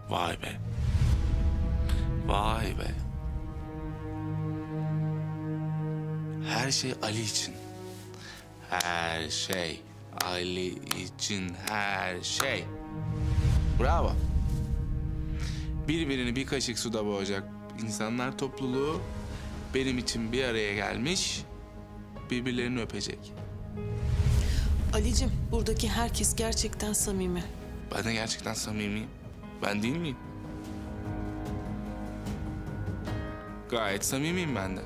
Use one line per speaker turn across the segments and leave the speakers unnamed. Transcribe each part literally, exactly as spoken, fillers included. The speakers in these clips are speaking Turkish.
Vay be. Vay be. Her şey Ali için. Her şey Ali için, her şey. Bravo. Birbirini bir kaşık suda boğacak insanlar topluluğu benim için bir araya gelmiş, birbirlerini öpecek.
Alicim, buradaki herkes gerçekten samimi.
Ben de gerçekten samimiyim. Ben değil miyim? Gayet samimiyim ben de.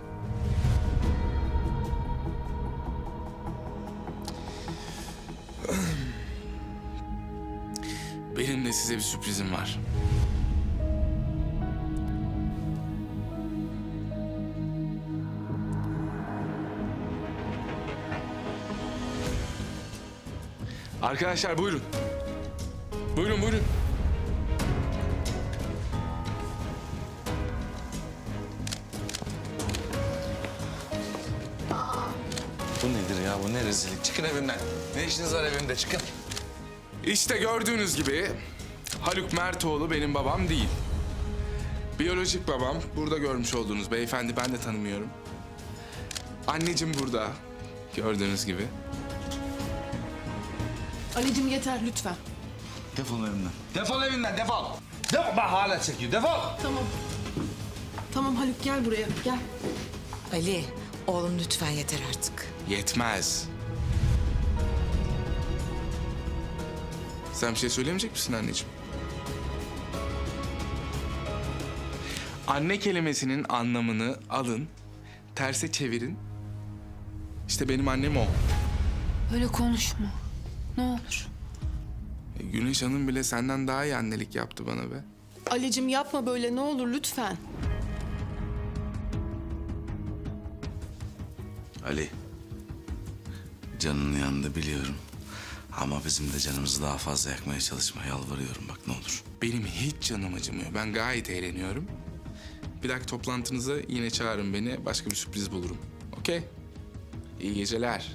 Benim de size bir sürprizim var. Arkadaşlar buyurun. Buyurun buyurun.
Bu nedir ya? Bu ne rezillik? Çıkın evimden. Ne işiniz var evimde? Çıkın.
İşte gördüğünüz gibi Haluk Mertoğlu benim babam değil. Biyolojik babam burada görmüş olduğunuz beyefendi, ben de tanımıyorum. Anneciğim burada gördüğünüz gibi.
Alicim yeter lütfen.
Defol evimden. Defol evimden, defol. Defol. Bak hala çekiyor. Defol.
Tamam. Tamam Haluk gel buraya gel.
Ali, oğlum lütfen yeter artık.
Yetmez. Sen bir şey söylemeyecek misin anneciğim? Anne kelimesinin anlamını alın, terse çevirin. İşte benim annem o.
Öyle konuşma. Ne olur.
E, Güneş Hanım bile senden daha iyi annelik yaptı bana be.
Alicim yapma böyle ne olur lütfen.
Ali. Canının yanında biliyorum. Ama bizim de canımızı daha fazla yakmaya çalışma. Yalvarıyorum bak ne olur.
Benim hiç canım acımıyor. Ben gayet eğleniyorum. Bir dahaki toplantınıza yine çağırın beni. Başka bir sürpriz bulurum. Okey? İyi geceler.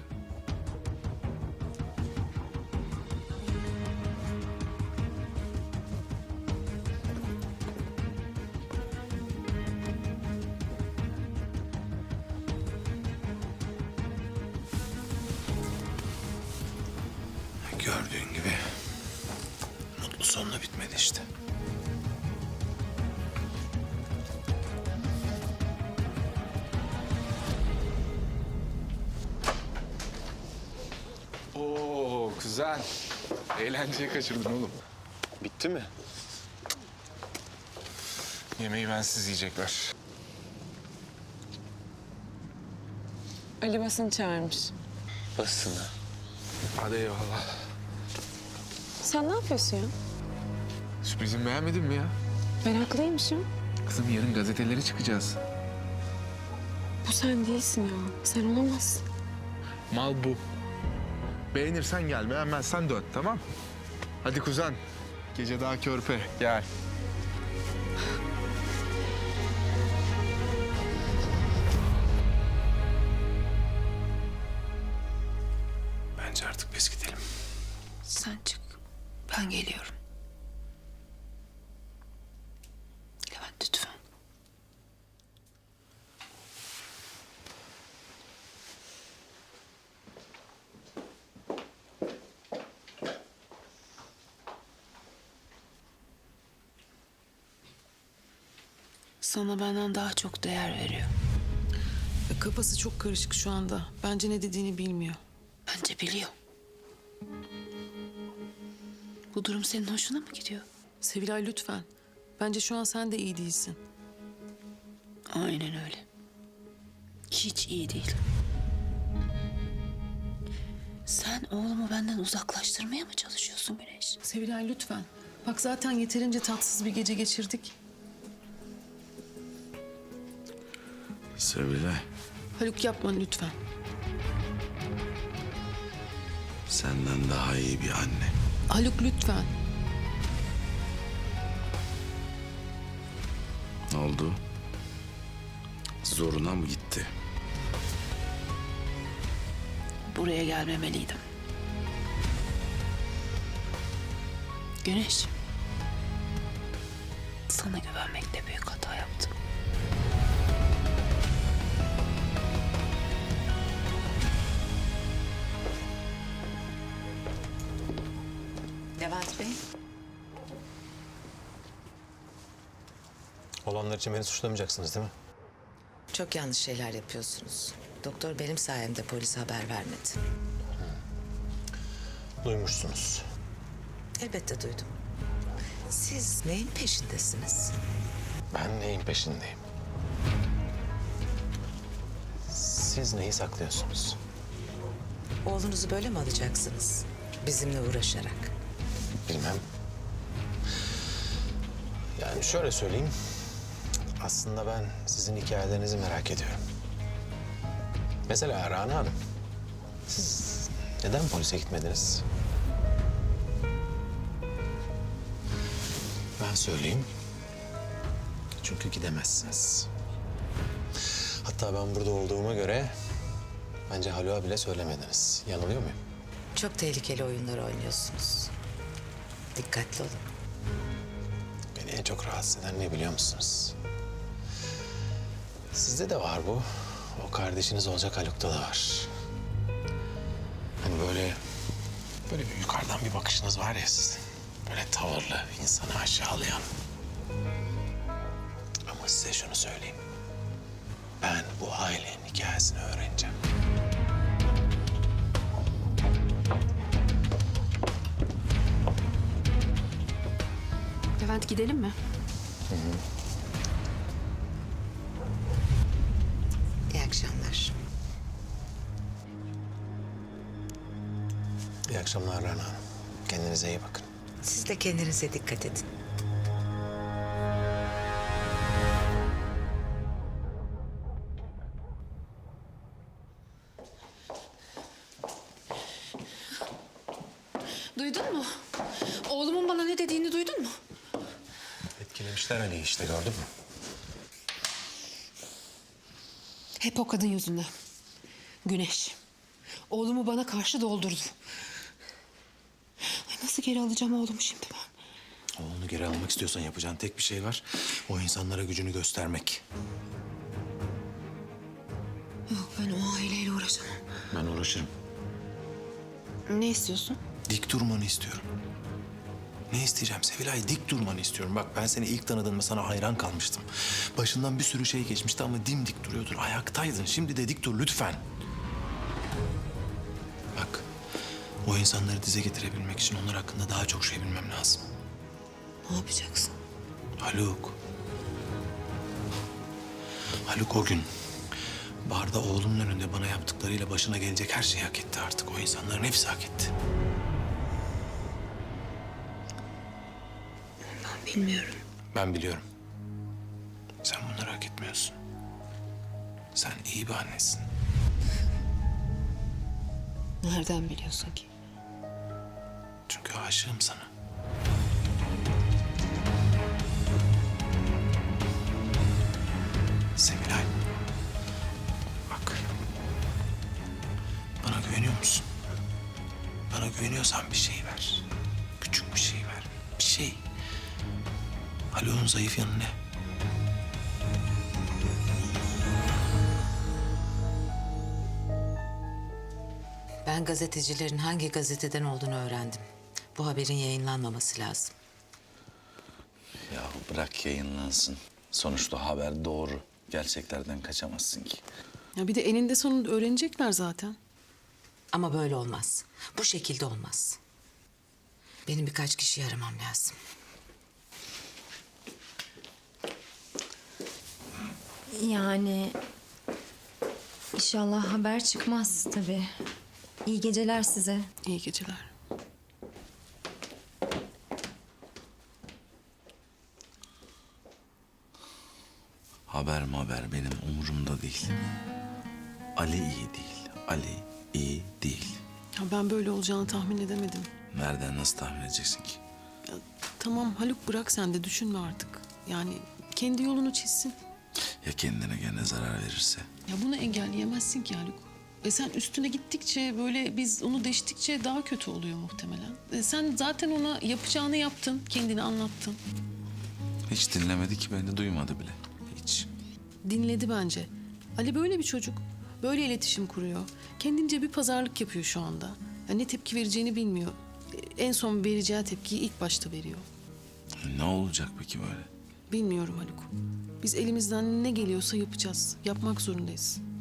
Gördüğün gibi mutlu sonla bitmedi işte.
Oo güzel. Eğlenceyi kaçırdın oğlum.
Bitti mi?
Yemeği bensiz yiyecekler.
Ali basın çağırmış.
Basını.
Hadi eyvallah.
Sen ne yapıyorsun ya?
Sürprizimi beğenmedin mi ya?
Meraklıymışım.
Kızım yarın gazetelere çıkacağız.
Bu sen değilsin ya. Sen olamazsın.
Mal bu. Beğenirsen gel, beğenmezsen dön, tamam? Hadi kuzen. Gece daha körpe, gel.
Bence artık biz gidelim.
Sen çık. Ben geliyorum. Levent lütfen. Sana benden daha çok değer veriyor. Kafası çok karışık şu anda. Bence ne dediğini bilmiyor. Bence biliyor. Bu durum senin hoşuna mı gidiyor? Sevilay lütfen. Bence şu an sen de iyi değilsin. Aynen öyle. Hiç iyi değil. Sen oğlumu benden uzaklaştırmaya mı çalışıyorsun Güneş? Sevilay lütfen. Bak zaten yeterince tatsız bir gece geçirdik.
Sevilay,
Haluk yapma lütfen.
senden daha iyi bir anne.
Haluk lütfen.
Ne oldu? Zoruna mı gitti?
Buraya gelmemeliydim. Güneş. Sana güvenmekte büyük hata yaptım.
Levent Bey.
Olanlar için beni suçlamayacaksınız değil mi?
Çok yanlış şeyler yapıyorsunuz. Doktor benim sayemde polise haber vermedi.
Duymuşsunuz.
Elbette duydum. Siz neyin peşindesiniz?
Ben neyin peşindeyim? Siz neyi saklıyorsunuz?
Oğlunuzu böyle mi alacaksınız? Bizimle uğraşarak.
Bilmem. Yani şöyle söyleyeyim. Aslında ben sizin hikayelerinizi merak ediyorum. Mesela Rana Hanım. Siz neden polise gitmediniz? Ben söyleyeyim. Çünkü gidemezsiniz. Hatta ben burada olduğuma göre bence Haluk'a bile söylemediniz. Yanılıyor muyum?
Çok tehlikeli oyunlar oynuyorsunuz. Dikkatli olun.
Beni en çok rahatsız eden ne biliyor musunuz? Sizde de var bu. O kardeşiniz olacak Haluk'ta da var. Hani böyle... Böyle bir yukarıdan bir bakışınız var ya sizin. Böyle tavırlı, insanı aşağılayan. Ama size şunu söyleyeyim. Ben bu ailenin hikayesini öğreneceğim.
Levent gidelim mi?
İyi akşamlar.
İyi akşamlar Rana Hanım. Kendinize iyi bakın.
Siz de kendinize dikkat edin.
Duydun mu? Oğlumun bana ne dediğini duydun mu?
Etkilemişler Ali'yi işte gördün mü?
Hep o kadın yüzünden. Güneş. Oğlumu bana karşı doldurdu. Ay nasıl geri alacağım oğlumu şimdi ben?
Oğlunu geri almak istiyorsan yapacağın tek bir şey var. O insanlara gücünü göstermek.
Yok ben o aileyle uğraşamam.
Ben uğraşırım.
Ne istiyorsun?
Dik durmanı istiyorum. Ne isteyeceğim Sevilay? Dik durmanı istiyorum. Bak ben seni ilk tanıdığımda sana hayran kalmıştım. Başından bir sürü şey geçmişti ama dimdik duruyordun. Ayaktaydın. Şimdi de dik dur lütfen. Bak o insanları dize getirebilmek için onlar hakkında daha çok şey bilmem lazım.
Ne yapacaksın?
Haluk. Haluk o gün barda oğlumun önünde bana yaptıklarıyla başına gelecek her şeyi hak etti artık. O insanların hepsi hak etti.
Ben bilmiyorum.
Ben biliyorum. Sen bunları hak etmiyorsun. Sen iyi bir annesin.
Nereden biliyorsun ki?
Çünkü aşığım sana. Sevilay. Bak. Bana güveniyor musun? Bana güveniyorsan bir şey ver. Küçük bir şey ver. Bir şey. Haluk'un zayıf yanı ne?
Ben gazetecilerin hangi gazeteden olduğunu öğrendim. Bu haberin yayınlanmaması lazım.
Ya bırak yayınlansın. Sonuçta haber doğru. Gerçeklerden kaçamazsın ki.
Ya bir de eninde sonunda öğrenecekler zaten.
Ama böyle olmaz. Bu şekilde olmaz. Benim birkaç kişiyi aramam lazım.
Yani inşallah haber çıkmaz tabii. İyi geceler size.
İyi geceler.
Haber haber benim umurumda değil. Ali iyi değil. Ali iyi değil.
Ya ben böyle olacağını tahmin edemedim.
Nereden nasıl tahmin edeceksin ki?
Ya, tamam Haluk bırak sen de düşünme artık. Yani kendi yolunu çizsin.
Ya kendine gene zarar verirse?
Ya bunu engelleyemezsin ki Haluk. E sen üstüne gittikçe böyle biz onu deştikçe daha kötü oluyor muhtemelen. E sen zaten ona yapacağını yaptın, kendini anlattın.
Hiç dinlemedi ki beni, duymadı bile. Hiç.
Dinledi bence. Ali böyle bir çocuk. Böyle iletişim kuruyor. Kendince bir pazarlık yapıyor şu anda. Ya ne tepki vereceğini bilmiyor. En son vereceği tepkiyi ilk başta veriyor.
Ne olacak peki böyle?
Bilmiyorum Haluk. Biz elimizden ne geliyorsa yapacağız. Yapmak zorundayız.